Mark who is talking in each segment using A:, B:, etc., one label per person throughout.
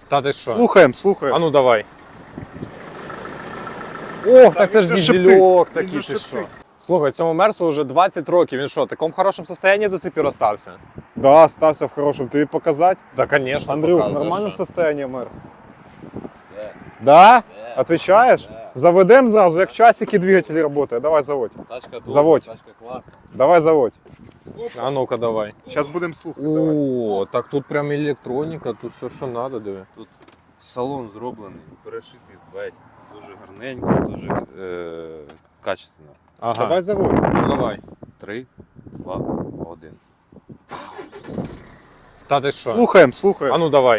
A: Та ти що?
B: Слухаємо.
A: А ну давай. Ох, так це ж
B: він же
A: дізельок
B: шептить,
A: такий,
B: він же
A: ти що?
B: шептить.
A: Слухай, цьому Мерсу вже 20 років, він що, в такому хорошому стані до сих пір остався?
B: Да, стався в хорошем. Тобі показати?
A: Да, конечно,
B: Андрюх, в
A: показує,
B: нормальному
A: що.
B: состоянии Мерс? Да?
C: Да.
B: Отвечаешь?
C: Да.
B: Заведем зразу, як часики двигатель работает. Давай заводь.
C: Тачка добра,
B: Заводь.
C: тачка класна.
B: Давай заводь.
A: А ну-ка давай.
B: Зараз будемо слухати. Давай.
A: О, так тут прям електроніка, тут все, що треба, диви.
C: Тут салон зроблений, перешитий весь. Дуже гарненько, дуже качественно.
A: Ага,
B: Давай заводь.
A: ну давай.
C: 3, 2, 1.
A: Та ти що?
B: Слухаємо.
A: А ну давай.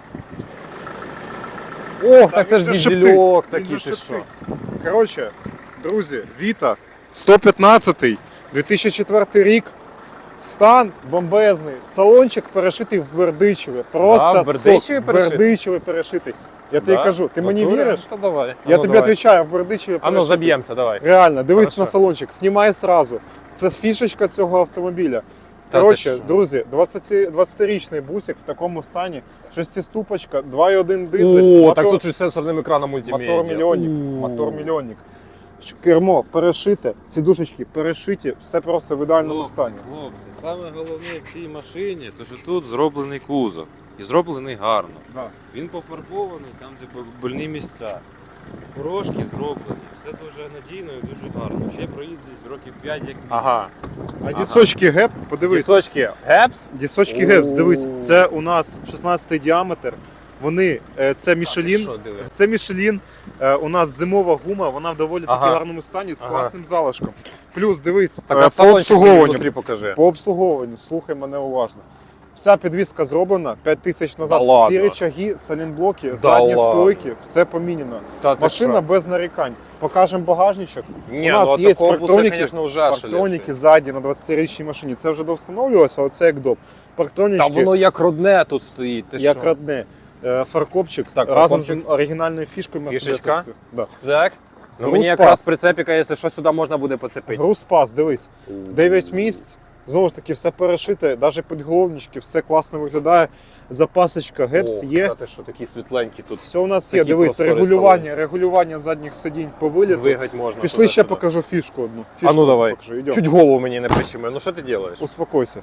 A: Ох, так це
B: він
A: ж
B: же
A: дізельок
B: шептить, він
A: такий,
B: же
A: ти що?
B: шептить. Коротше, друзі, Віта, 115-й, 2004 рік. Стан бомбезний. Салончик перешитий в Бердичеві. Просто
A: Да, в Бердичеві
B: сок.
A: перешитий?
B: Бердичеві перешитий. Я тобі
A: Да?
B: кажу, ти мені
A: Натурі?
B: віриш?
A: Та давай. А
B: Я
A: ну,
B: тобі
A: давай.
B: відповідаю, в Бердичеві
A: А ну
B: перешитий.
A: заб'ємося, давай.
B: Реально, дивись
A: Хорошо.
B: на салончик, знімай сразу. Це фішечка цього автомобіля.
A: Та
B: Коротше,
A: ти що?
B: друзі, 20-річний бусик в такому стані, шестиступочка, 2.1 дизель,
A: О, так тут же з сенсорним екраном мультимедіа.
B: мотор-мільйонник. Кермо перешите, сідушечки перешиті, все просто в ідеальному стані.
C: Хлопці, саме головне в цій машині, то що тут зроблений кузов. І зроблений гарно.
B: Да.
C: Він пофарбований, там де больні місця. Порошки зроблені, все дуже надійно і дуже гарно. Ще проїздить років 5 як мінімум.
A: Ага.
B: А дісочки геп, подивись.
A: Пісочки Гепс.
B: Дісочки гепс, дивись, це у нас 16 діаметр. Вони, це Мішелін.
A: Що, диви?
B: Це Мішелін, у нас зимова гума, вона в доволі таки
A: Ага.
B: гарному стані з
A: Ага.
B: класним залишком. Плюс, дивись,
A: Так,
B: по
A: а салончик
B: обслуговуванню.
A: внутрі покажи.
B: По обслуговуванню, слухай мене уважно. Вся підвізка зроблена 5 тисяч назад.
A: Да ладно?
B: Всі речаги, салінблоки, задні
A: ладно?
B: стойки, все помінено.
A: Та ти
B: Машина
A: що?
B: без нарікань. Покажемо багажничок.
A: Ні,
B: у нас
A: ну,
B: є
A: такого буса,
B: парктроніки,
A: конечно, уже
B: парктроніки ззаді на 20-річній машині. Це вже довстановлювалося, але це як доп.
A: Та
B: Парктронічки,
A: воно як родне тут стоїть, ти
B: як
A: що?
B: родне. Фаркопчик
A: Так,
B: разом
A: фаркопчик.
B: з оригінальною фішкою
A: Фішечка?
B: мерседесовською. Да.
A: Так? Ну,
B: Груз
A: мені
B: пас.
A: якраз прицепіка, якщо що, сюди можна буде поцепити.
B: Груз пас, дивись. 9 місць. Знову ж таки, все перешите, навіть підголовнички, все класно виглядає. Запасочка, гепс
A: О,
B: є.
A: та ти що, такі світленькі тут.
B: Все у нас є.
A: Такі
B: Дивись,
A: просторі
B: регулювання задніх сидінь по виліту.
A: Двигать можна.
B: Пішли ще
A: туди-сюди.
B: покажу фішку одну.
A: А
B: Фішку
A: ну давай.
B: покажу. Йдем.
A: Чуть голову мені не прищемив. Ну що ти робиш?
B: Успокойся.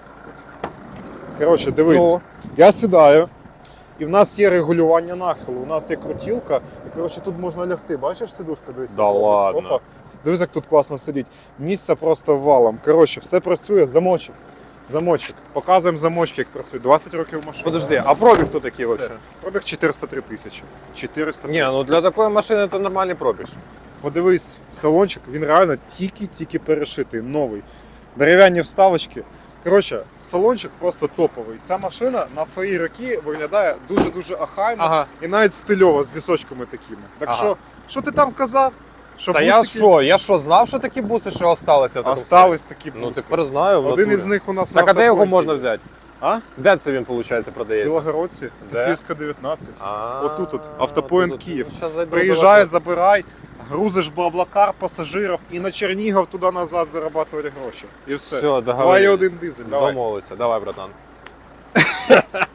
B: Коротше, дивись.
A: Ну.
B: Я сідаю, і в нас є регулювання нахилу. У нас є крутілка, і коротше, тут можна лягти. Бачиш сидушка? Дивись.
A: Да ладно?
B: Опа. Дивись, як тут класно сидіть. Місця просто валом. Коротше, все працює, замочок. Замочок. Показуємо замочки, як працює. 20 років машини.
A: Подожди, а пробіг хто такий
B: Все.
A: взагалі?
B: Пробіг 403 тисячі. 403.
A: Ні, ну для такої машини це нормальний пробіг.
B: Подивись, салончик, він реально тільки перешитий, новий. Дерев'яні вставочки. Коротше, салончик просто топовий. Ця машина на свої роки виглядає дуже-дуже охайно
A: Ага.
B: і навіть стильово з дісочками такими. Так
A: Ага.
B: що ти там казав? Що
A: Та я
B: бусики
A: що, знав, що такі буси ще осталися? в такому
B: остались такі
A: стані? Ну
B: буси.
A: тепер знаю. в
B: Один
A: натурі.
B: із них у нас
A: Так
B: на
A: а де його
B: автопойнті.
A: можна взяти?
B: А?
A: Де це він, виходить, продається?
B: Білогородці, Софіївська 19.
A: А,
B: Отут, автопоінт
A: тут.
B: Київ.
A: Ну, щас зайду до
B: Приїжджай,
A: вас.
B: забирай, грузиш Блаблакар, пасажирів і на Чернігов туди-назад зарабатувати гроші. І все.
A: Все, договорились.
B: 2.1 дизель, давай.
A: Домовилися. Давай, братан.